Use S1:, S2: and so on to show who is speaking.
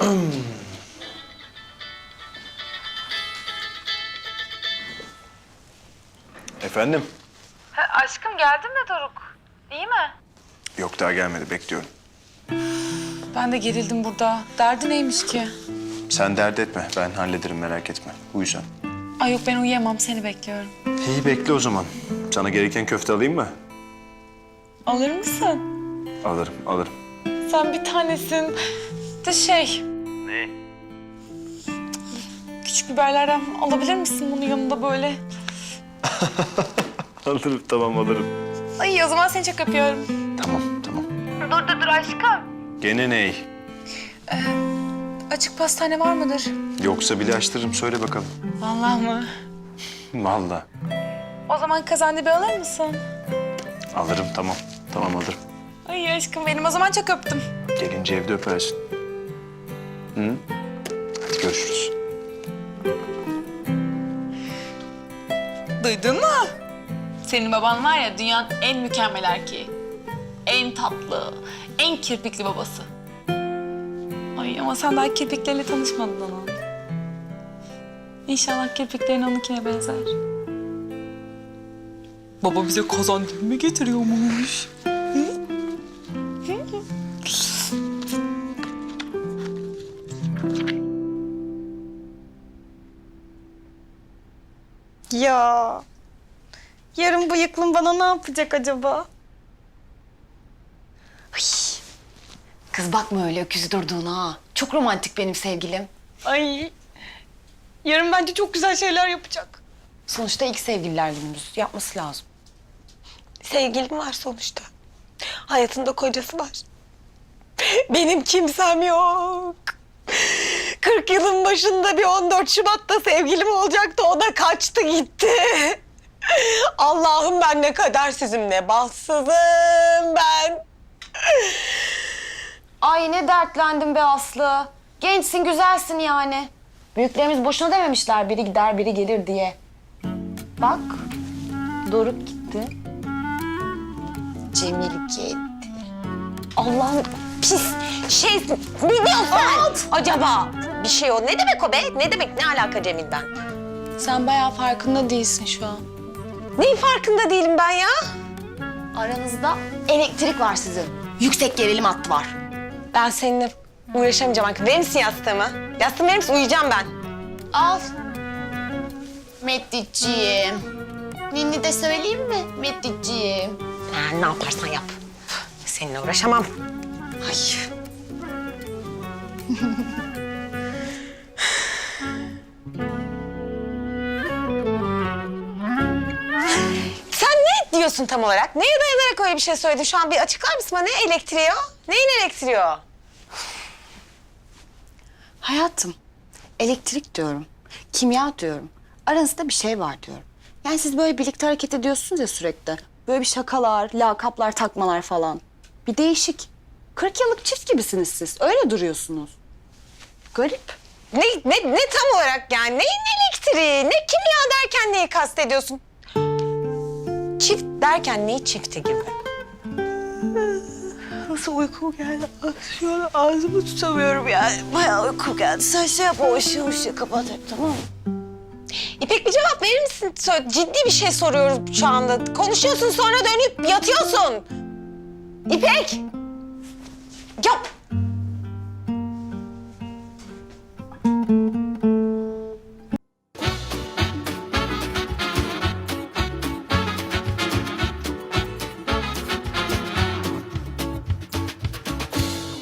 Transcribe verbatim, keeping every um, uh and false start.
S1: Efendim?
S2: Ha, aşkım geldin mi Doruk? İyi mi?
S1: Yok daha gelmedi, bekliyorum.
S2: Ben de gerildim burada. Derdi neymiş ki?
S1: Sen dert etme, ben hallederim, merak etme. Uyu sen.
S2: Ay yok, ben uyuyamam, seni bekliyorum.
S1: İyi, bekle o zaman. Sana gereken köfte alayım mı?
S2: Alır mısın?
S1: Alırım, alırım.
S2: Sen bir tanesin. De şey...
S1: Ne?
S2: Küçük biberlerden alabilir misin bunun yanında böyle?
S1: Alırım, tamam alırım.
S2: Ay o zaman seni çok öpüyorum.
S1: Tamam, tamam.
S2: Dur dur dur aşkım.
S1: Gene ney?
S2: Ee, açık pastane var mıdır?
S1: Yoksa bile açtırırım, söyle bakalım.
S2: Vallahi mı?
S1: Vallahi.
S2: O zaman kazandibi alır mısın?
S1: Alırım, tamam. Tamam alırım.
S2: Ay aşkım benim, o zaman çok öptüm.
S1: Gelince evde öpersin. Hı? Hadi görüşürüz.
S2: Duydun mu? Senin baban var ya, dünyanın en mükemmel erkeği. En tatlı, en kirpikli babası. Ay ama sen daha kirpikleriyle tanışmadın onun. İnşallah kirpiklerin onunkine benzer. Baba bize kazandibi mi getiriyormuş?
S3: Ya, yarın bıyıklım bana ne yapacak acaba?
S4: Kız bakma öyle öküz durduğuna ha. Çok romantik benim sevgilim.
S3: Ay, yarın bence çok güzel şeyler yapacak.
S4: Sonuçta ilk sevgililer günümüz. Yapması lazım.
S3: Sevgilim var sonuçta. Hayatında kocası var. Benim kimsem yok. kırk yılın başında bir on dört Şubat'ta sevgilim olacaktı. O da kaçtı gitti. Allah'ım ben ne kadersizim, ne bahtsızım ben.
S4: Ay ne dertlendim be Aslı. Gençsin, güzelsin yani. Büyüklerimiz boşuna dememişler biri gider biri gelir diye. Bak, Doruk gitti.
S3: Cemil gitti. Allah'ım pis şey, ne diyorsun sen acaba? Bir şey o. Ne demek o be? Ne demek? Ne alaka Cemil'den?
S2: Sen bayağı farkında değilsin şu an.
S3: Neyin farkında değilim ben ya?
S4: Aranızda elektrik var sizin. Yüksek gerilim hattı var.
S3: Ben seninle uğraşamayacağım artık. Verir misin yastığımı? Yastığımı verir misin? Uyuyacağım ben.
S4: Al. Meddiciğim. Ninni de söyleyeyim mi Meddiciğim?
S3: Ha, ne yaparsan yap. Seninle uğraşamam. Ay. Sen ne diyorsun tam olarak? Neye dayanarak öyle bir şey söyledin? Şu an bir açıklar mısın bana? Ne elektriği o? Neyin elektriği o?
S4: Hayatım, elektrik diyorum, kimya diyorum. Aranızda bir şey var diyorum. Yani siz böyle birlikte hareket ediyorsunuz ya sürekli. Böyle bir şakalar, lakaplar, takmalar falan. Bir değişik. kırk yıllık çift gibisiniz siz. Öyle duruyorsunuz. Garip.
S3: Ne, ne, ne tam olarak yani? Neyin elektriği? Ne kimya derken neyi kastediyorsun? Çift derken neyi çifti gibi? Nasıl uykum geldi? Şu an ağzımı tutamıyorum yani. Bayağı uykum geldi. Sen şey yapma, o ışığı ışığı kapat hep, tamam mı? İpek bir cevap verir misin? Sö- Ciddi bir şey soruyorum şu anda. Konuşuyorsun sonra dönüp yatıyorsun. İpek! Ya